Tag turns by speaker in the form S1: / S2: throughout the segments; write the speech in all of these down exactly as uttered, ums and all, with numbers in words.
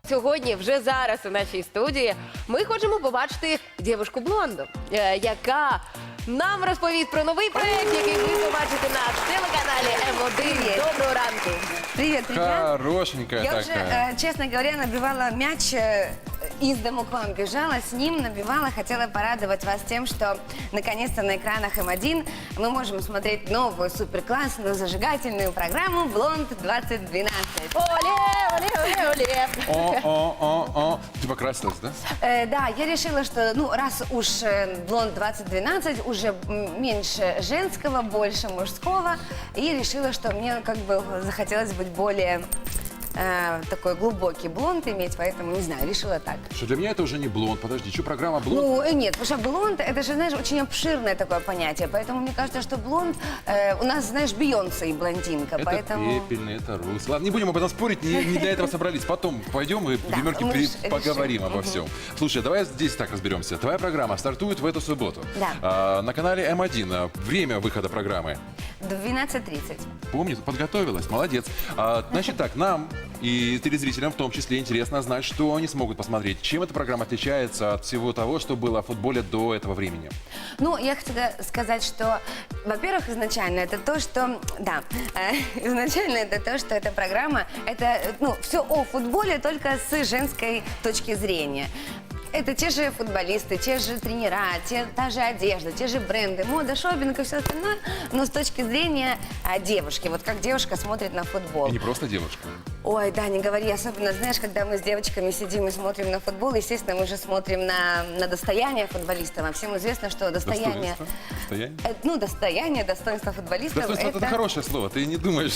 S1: Сьогодні, вже зараз у нашій студії, ми хочемо побачити дівчинку-блонду, е, яка нам розповість про новий проєкт, який ви побачите на телеканалі М один. Доброго ранку!
S2: Привет, привет.
S3: Хорошенькая
S2: Я
S3: такая.
S2: уже, э, честно говоря, набивала мяч, э, из дому к вам бежала, с ним набивала. Хотела порадовать вас тем, что наконец-то на экранах М один мы можем смотреть новую суперклассную зажигательную программу «Блонд двадцать двенадцать».
S1: Оле, оле, оле, оле!
S3: О, о, о, о. Ты покрасилась, да?
S2: Э, да, я решила, что, ну, раз уж э, «Блонд двадцать двенадцать», уже м, меньше женского, больше мужского, и решила, что мне как бы захотелось быть более э, такой глубокий блонд иметь, поэтому, не знаю, решила так.
S3: Что для меня это уже не блонд. Подожди, что программа блонд?
S2: Ну, э, нет, потому что блонд, это же, знаешь, очень обширное такое понятие, поэтому мне кажется, что блонд, э, у нас, знаешь, Бейонсе и блондинка,
S3: это
S2: поэтому...
S3: пепельный, это рус. Ладно, не будем об этом спорить, не, не для этого собрались. Потом пойдем и,
S2: Да,
S3: Гримерки,
S2: мы
S3: при-
S2: ж решим.
S3: поговорим обо
S2: Мгм.
S3: всем. Слушай, давай здесь так разберемся. Твоя программа стартует в эту субботу.
S2: Да.
S3: А, на канале М один. А, Время выхода программы.
S2: двенадцать тридцать.
S3: Помню, подготовилась, молодец. А, значит так, нам и телезрителям в том числе интересно знать, что они смогут посмотреть. Чем эта программа отличается от всего того, что было в футболе до этого времени?
S2: Ну, я хотела сказать, что, во-первых, изначально это то, что, да, э, изначально это то, что эта программа, это, ну, все о футболе, только с женской точки зрения. Это те же футболисты, те же тренера, те, та же одежда, те же бренды, мода, шопинг и все остальное, но с точки зрения а, девушки, вот как девушка смотрит на футбол.
S3: И не просто девушка.
S2: Ой, да, не говори, особенно, знаешь, когда мы с девочками сидим и смотрим на футбол, естественно, мы же смотрим на, на достояние футболистов, а всем известно, что достояние...
S3: Достоинство. Достояние?
S2: Э, Ну, достояние, достоинство футболистов.
S3: Достоинство это хорошее слово, ты не думаешь.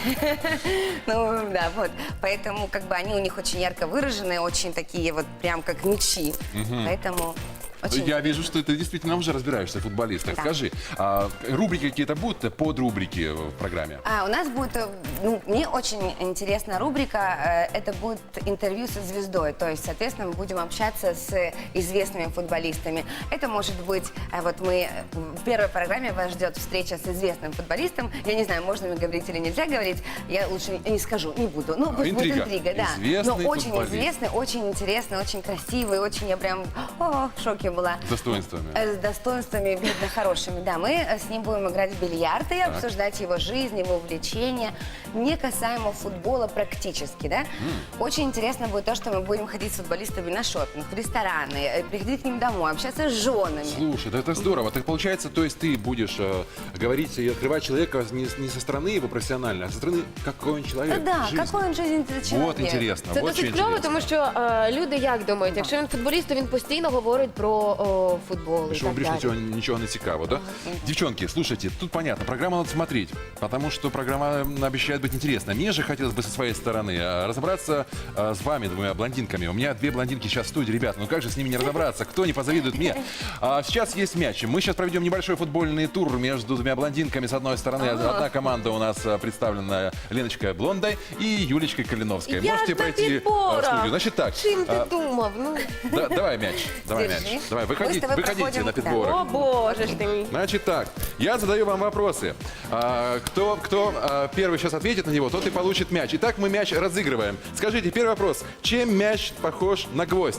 S2: Ну, да, вот. Поэтому, как бы, они у них очень ярко выраженные, очень такие вот, прям как мячи. Поэтому... Очень...
S3: Я вижу, что ты действительно уже разбираешься в футболистах.
S2: Да.
S3: Скажи, а рубрики какие-то будут, подрубрики в программе?
S2: А, у нас будет, э, ну, мне очень интересная рубрика, э, это будет интервью со звездой, то есть, соответственно, мы будем общаться с известными футболистами. Это может быть, э, вот мы, э, в первой программе вас ждет встреча с известным футболистом, я не знаю, можно мне говорить или нельзя говорить, я лучше не скажу, не буду, ну, пусть
S3: Интрига.
S2: будет интрига, да.
S3: Известный
S2: Но очень
S3: футболист.
S2: известный, очень интересный, очень красивый, очень, я прям, о, в шоке была.
S3: С достоинствами.
S2: Э, С достоинствами, видно, хорошими, да. Мы э, с ним будем играть в бильярд и обсуждать его жизнь, его увлечения, не касаемо футбола практически, да. Очень интересно будет то, что мы будем ходить с футболистами на шопинг, в рестораны, э, приходить к ним домой, общаться с женами.
S3: Слушай, да это здорово. Так получается, то есть ты будешь э, говорить и открывать человека не, не со стороны его профессионально, а со стороны, какой он человек.
S2: Да,
S3: жизни.
S2: какой он жизненный человек.
S3: Вот интересно,
S1: Це
S3: вот
S1: досить
S3: что
S1: кльово,
S3: интересно.
S1: тому що е, люди як думають, якщо він футболіст, то він постійно говорить про о, футбол і
S3: Что
S1: так
S3: більше
S1: далі.
S3: ничего, ничего не цікаво, да? Девчонки, слушайте, тут понятно, программу надо смотреть, потому что программа м, обещает быть интересной. Мне же хотелось бы со своей стороны а, разобраться а, с вами, двумя блондинками. У меня две блондинки сейчас в студии, ребята, ну как же с ними не разобраться? Кто не позавидует мне? А, сейчас есть мяч. Мы сейчас проведем небольшой футбольный тур между двумя блондинками. С одной стороны, одна команда у нас а, представлена Леночкой Блондой и Юлечкой Калиновской.
S1: Я
S3: Можете
S1: ж на
S3: пройти а, в
S1: підборах.
S3: студию. Значит так,
S1: Чим ти
S3: а,
S1: думав? Ну,
S3: да- давай мяч, давай
S2: Держи.
S3: мяч. Давай,
S2: Мы с
S3: выходите,
S2: тобой
S3: выходите
S2: проходим,
S3: на
S2: да.
S3: подборах.
S1: о боже ж ти мій.
S3: Значит так, я задаю вам вопросы. А, кто кто а, первый сейчас ответит на него, тот и получит мяч. Итак, мы мяч разыгрываем. Скажите, первый вопрос. Чем мяч похож на гвоздь?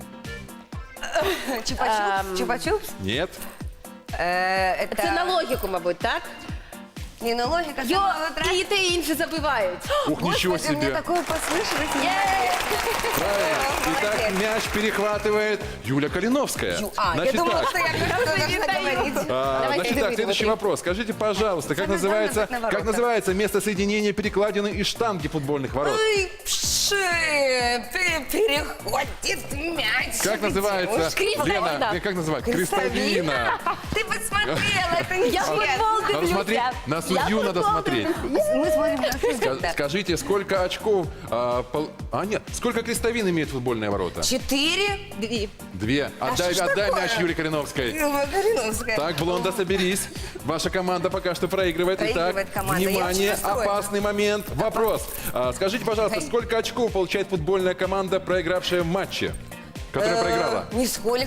S2: Чупа-чупс? Чупа-чупс?
S3: Нет?
S2: Э, это
S1: Це на логіку, мабуть, так?
S2: не на логика,
S1: Йо,
S2: самого утра.
S1: і те і інше забивають.
S3: Ух, ничего
S2: Господи, мне
S3: себе.
S2: такое послышалось.
S3: Правильно. Итак,
S2: Молодец.
S3: мяч перехватывает Юля Калиновская.
S2: Ю- А, я
S3: Значит
S2: думала,
S3: так.
S2: что я как-то должна говорить.
S3: А,
S1: Давайте
S3: значит так,
S1: вы,
S3: следующий
S1: вы.
S3: вопрос. Скажите, пожалуйста, как
S2: Самое главное
S3: называется,
S2: быть на
S3: как
S2: воротах.
S3: называется место соединения перекладины и штанги футбольных ворот?
S2: Ой, пши, пе- переходит мяч.
S3: Как называется?
S1: Крестовина.
S3: Лена, э, как называется? Крестовина.
S2: Ты посмотрела, это не
S1: Я
S2: честно.
S1: футбол
S3: Надо
S1: дивлюся.
S3: смотреть, на судью
S1: Я
S3: надо
S1: футбол
S3: смотреть.
S2: Мы смотрим на судью,
S3: Ска-
S2: да.
S3: Скажите, сколько очков... А, пол- а, нет, сколько крестовин имеет футбольные ворота?
S2: Четыре?
S1: Дві.
S3: Две. Отдай,
S2: что ж
S3: отдай
S2: такое?
S3: мяч Юлии Калиновской.
S2: Илма Калиновская.
S3: Так, Блонда, соберись. Ваша команда пока что проигрывает.
S2: Проигрывает
S3: Итак,
S2: команда. Я
S3: внимание,
S2: очень расстроена.
S3: опасный момент. Вопрос. А, скажите, пожалуйста,
S2: Эй.
S3: сколько очков получает футбольная команда, проигравшая в матче? Которая
S2: Э,
S3: проиграла?
S2: Нисколько.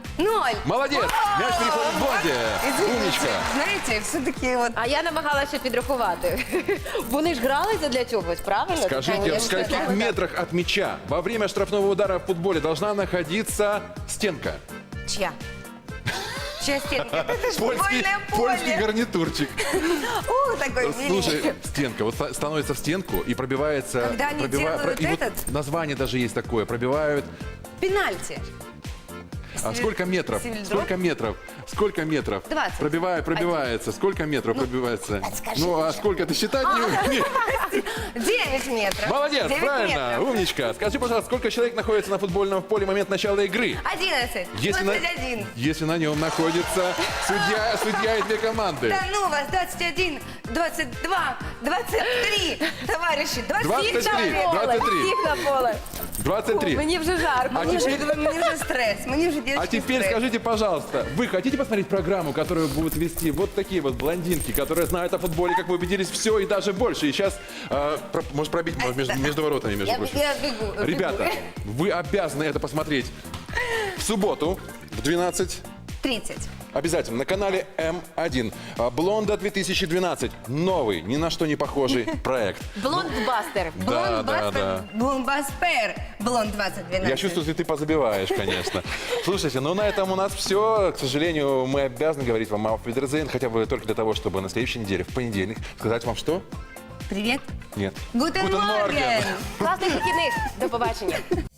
S2: Ноль.
S3: Молодец! Мяч переходит в Блонди.
S2: Извините,
S3: Умничка.
S2: знаете, все-таки вот...
S1: А я намагалася підрахувати. Вони ж гралися для чогось, правильно?
S3: Скажите, в
S2: Конечно,
S3: скольких
S2: да.
S3: метрах от мяча во время штрафного удара в футболе должна находиться стенка?
S2: Чья? Чья стенка? Это же
S3: Польский,
S2: футбольное поле.
S3: польский гарнитурчик.
S2: Ух, такой
S3: Слушай,
S2: миленький.
S3: стенка, вот ста- становится в стенку и пробивается...
S2: Когда они
S3: пробива-
S2: делают
S3: и вот
S2: этот?
S3: название даже есть такое, пробивают...
S2: Пенальти.
S3: А сколько метров?
S2: Севильдроп?
S3: Сколько метров? Сколько метров?
S2: двадцать.
S3: Пробивает, пробивается. Сколько метров пробивается?
S2: скажи
S3: Ну, а
S2: уже.
S3: сколько ты считать не умеешь?
S2: девять метров.
S3: Молодец,
S2: девять
S3: правильно,
S2: метров.
S3: умничка. Скажи, пожалуйста, сколько человек находится на футбольном поле в момент начала игры?
S2: одиннадцать.
S3: Если на,
S2: двадцать один.
S3: если на нем находится судья, судья и две команды.
S2: Да ну вас, двадцать один, двадцать два, двадцать три, товарищи, двадцать
S3: двадцать три.
S2: человек.
S3: двадцать три.
S1: Всіх на поле.
S3: двадцать три.
S1: Мені вже жарко.
S3: А
S2: Мне уже,
S3: теперь,
S2: мне уже стресс, мне уже детский
S3: а теперь
S2: стресс.
S3: скажите, пожалуйста, вы хотите посмотреть программу, которую будут вести вот такие вот блондинки, которые знают о футболе, как вы убедились, все и даже больше. И сейчас, э, про- может, пробить может, между, между воротами, между
S2: Я,
S3: прочим.
S2: я бегу. бегу.
S3: Ребята, вы обязаны это посмотреть в субботу в двенадцать.
S2: тридцать.
S3: Обязательно на канале М один. А, Блонда две тысячи двенадцать. Новый, ни на что не похожий проект.
S1: Блондбастер.
S3: Да, да, да.
S2: Блонбаспер. Блонд двадцать двенадцать.
S3: Я чувствую, что ты позабиваешь, конечно. Слушайте, ну на этом у нас все. К сожалению, мы обязаны говорить вам auf Wiedersehen, хотя бы только для того, чтобы на следующей неделе, в понедельник, сказать вам что?
S2: Привет.
S3: Нет.
S2: Гутен
S3: Guten Morgen.
S2: Морген.
S1: Класних вихідних. До побачення.